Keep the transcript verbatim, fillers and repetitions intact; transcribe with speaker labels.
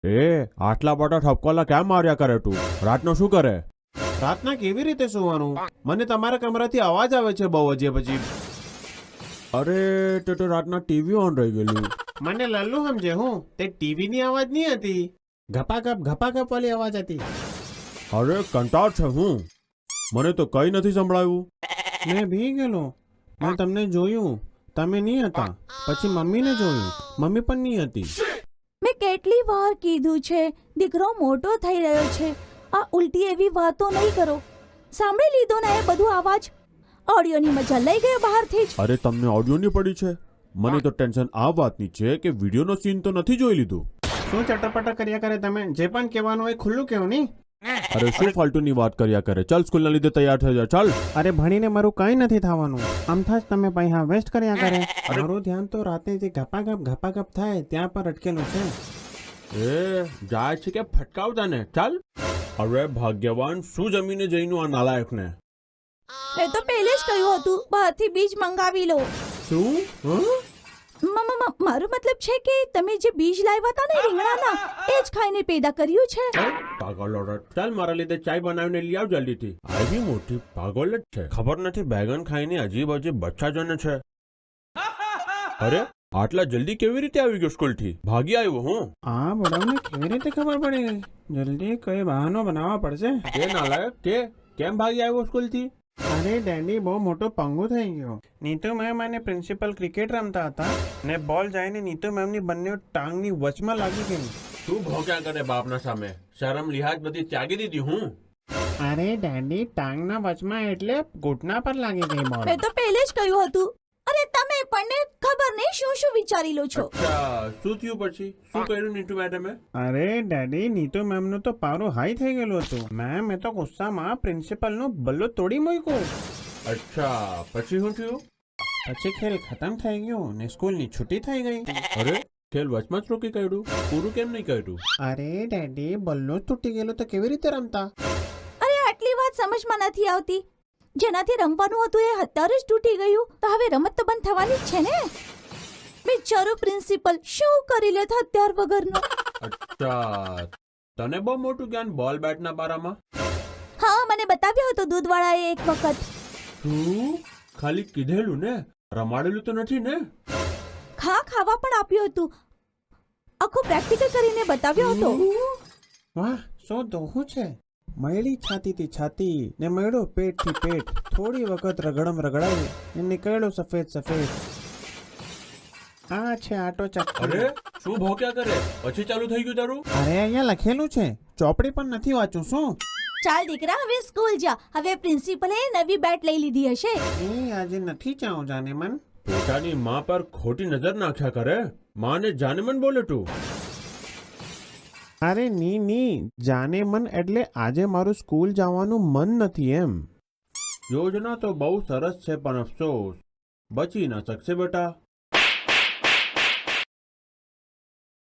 Speaker 1: એ આટલા બધા ઠપકોલા કેમ માર્યા કરે તું? રાતનો શું કરે?
Speaker 2: રાતના કેવી રીતે સુવાનું? મને તમારા કમરાથી અવાજ આવે છે બહુ અજીબ અજીબ.
Speaker 1: અરે તે તો રાતના ટીવી ઓન રહી ગયેલું.
Speaker 2: મને લલ્લુ સમજે હું? તે ટીવી ની અવાજ નહીં હતી, ઘપાઘપ ઘપાઘપ વાળી અવાજ હતી.
Speaker 1: અરે કંટાળ છે હું, મને તો કઈ નથી સંભળાયું.
Speaker 2: મેં ભી ગયેલો, મેં તમને જોયું, તમે નહીં હતા. પછી મમ્મીને જોયું, મમ્મી પણ નહીં હતી.
Speaker 3: મેં કેટલી વાર કીધું છે દીકરો મોટો થઈ રહ્યો છે, આ ઉલટી એવી વાતો નહીં કરો. સાંભળી લીધો ને એ બધું અવાજ? ઓડિયોની મજા લઈ ગયો બહારથી જ.
Speaker 1: અરે તમને ઓડિયોની પડી છે? મને તો ટેન્શન આ વાતની છે કે વિડીયોનો સીન તો નથી જોઈ લીધું.
Speaker 2: શું ચટપટા કર્યા કરે તમે? જે પણ કહેવાનું હોય ખુલ્લું કહેવું નહીં.
Speaker 1: અરે શું ફાલતુની વાત કર્યા કરે? ચાલ સ્કૂલના લીધે તૈયાર થઈ જા. ચાલ.
Speaker 2: અરે ભણીને મારું કંઈ નથી થવાનું, આમથા જ તમે પૈસા વેસ્ટ કર્યા કરે. મારું ધ્યાન તો રાતે જે ઘપાઘપ ઘપાઘપ થાય ત્યાં પર અટકેલું છે.
Speaker 1: એ જાય છે કે ફટકાવતા ને? ચાલ. અરે ભાગ્યવાન, શું જમીને જઈનું આ નાલાયકને?
Speaker 3: મેં તો પહેલે જ કહ્યું હતું બહારથી બીજ મંગાવી લો.
Speaker 1: શું? હા?
Speaker 3: મ- મ- મ- મારો મતલબ છે કે તમે જે બીજ લાવ્યા હતા ને રીંગણાના, એ જ ખાઈને પેદા કર્યું છે.
Speaker 1: પાગલ ઓરત. ચાલ મારા લીધે ચાય બનાવીને લઈ આવ જલ્દીથી. આવી મોટી પાગલ જ છે. ખબર નથી બેગન ખાઈને અજીબ અજીબ બચ્ચા જને છે. અરે આટલા જલ્દી કેવી રીતે આવી ગયો સ્કૂલથી? ભાગી આવ્યો હું.
Speaker 2: આ બધાને કેવી રીતે ખબર પડી ગઈ? જલ્દી કઈ બહાનો બનાવવા પડશે.
Speaker 1: તે નાલાયક તે કેમ ભાગી આવ્યો સ્કૂલથી?
Speaker 2: અરે ડેડી બહુ મોટો પંગુ થઈ ગયો. નીતુ મેમ અને પ્રિન્સિપલ ક્રિકેટ રમતા હતા ને બોલ જઈને નીતુ મેમની બંને ટાંગની વચમાં લાગી ગઈ.
Speaker 1: તું ભોંક્યા કરે બાપના સામે? શરમ લિહાજ બધી ત્યાગી દીધી હું.
Speaker 2: અરે ડેડી ટાંગના વચમાં એટલે ઘૂંટણા પર લાગી ગઈ બોલ.
Speaker 3: મેં તો પહેલે જ કહ્યું હતું. અરે તમે પણ ને ખબર નહીં શું શું વિચારી લો છો.
Speaker 1: અચ્છા, શું થયું પછી? શું કર્યું નીતુ મેડમે?
Speaker 2: અરે ડેડી નીતુ મેમનું તો પારું હાઈ થઈ ગયેલું હતું. મેમ એ તો ગુસ્સામાં પ્રિન્સિપલનો બલ્લો તોડી મૂક્યો.
Speaker 1: અચ્છા, પછી શું થયું?
Speaker 2: પછી ખેલ ખતમ થઈ ગયો ને સ્કૂલની છૂટી થઈ ગઈ.
Speaker 1: અરે ખેલ વચમાં જ રોકી કાઢ્યું? પૂરું કેમ નહીં કર્યું?
Speaker 2: અરે ડેડી બલ્લો જ તૂટી ગયેલો તો કેવી રીતે રમતા?
Speaker 3: અરે આટલી વાત સમજમાં નથી આવતી. જેનાથી રમવાનું હતું એ અત્યારે જ તૂટી ગયું તો હવે રમત તો બંધ થવાની જ છે ને. બિચારો પ્રિન્સિપલ શું કરી લેત હત્યાર વગરનો.
Speaker 1: અચ્છા, તને બહુ મોટું જ્ઞાન બોલ બેટના બારામાં?
Speaker 3: હા, મને બતાવ્યો હતો દૂધવાળાએ એક વખત.
Speaker 1: શું? ખાલી કીધેલું ને, રમાડેલું તો નથી ને?
Speaker 3: ખા ખાવા પણ આપ્યું હતું. આખું પ્રેક્ટિકલ કરીને બતાવ્યો હતો.
Speaker 2: વાહ, શું દોહું છે. મયડી છાતીથી છાતી ને મયડો પેટથી પેટ, થોડી વખત રગડમ રગડાઈ ને નીકળ્યો સફેદ સફેદ. આ છે આટો ચક્કર.
Speaker 1: અરે શું ભોંક્યા કરે? પછી ચાલુ થઈ ગયું તારું?
Speaker 2: અરે અહીંયા લખેલું છે, ચોપડી પણ નથી વાંચું શું?
Speaker 3: ચાલ દીકરા હવે સ્કૂલ જા. હવે પ્રિન્સિપલે નવી બેટ લઈ લીધી હશે.
Speaker 2: એ આજે નથી જાઉં જાને મન.
Speaker 1: પોતાની માં પર ખોટી નજર નાખ્યા કરે. માને જાને મન બોલે તું.
Speaker 2: અરે ની ની જાને મન એટલે આજે મારું સ્કૂલ જવાનું મન નથી એમ.
Speaker 1: યોજના તો બહુ સરસ છે પણ અફસોસ બચી ના શકશે બેટા.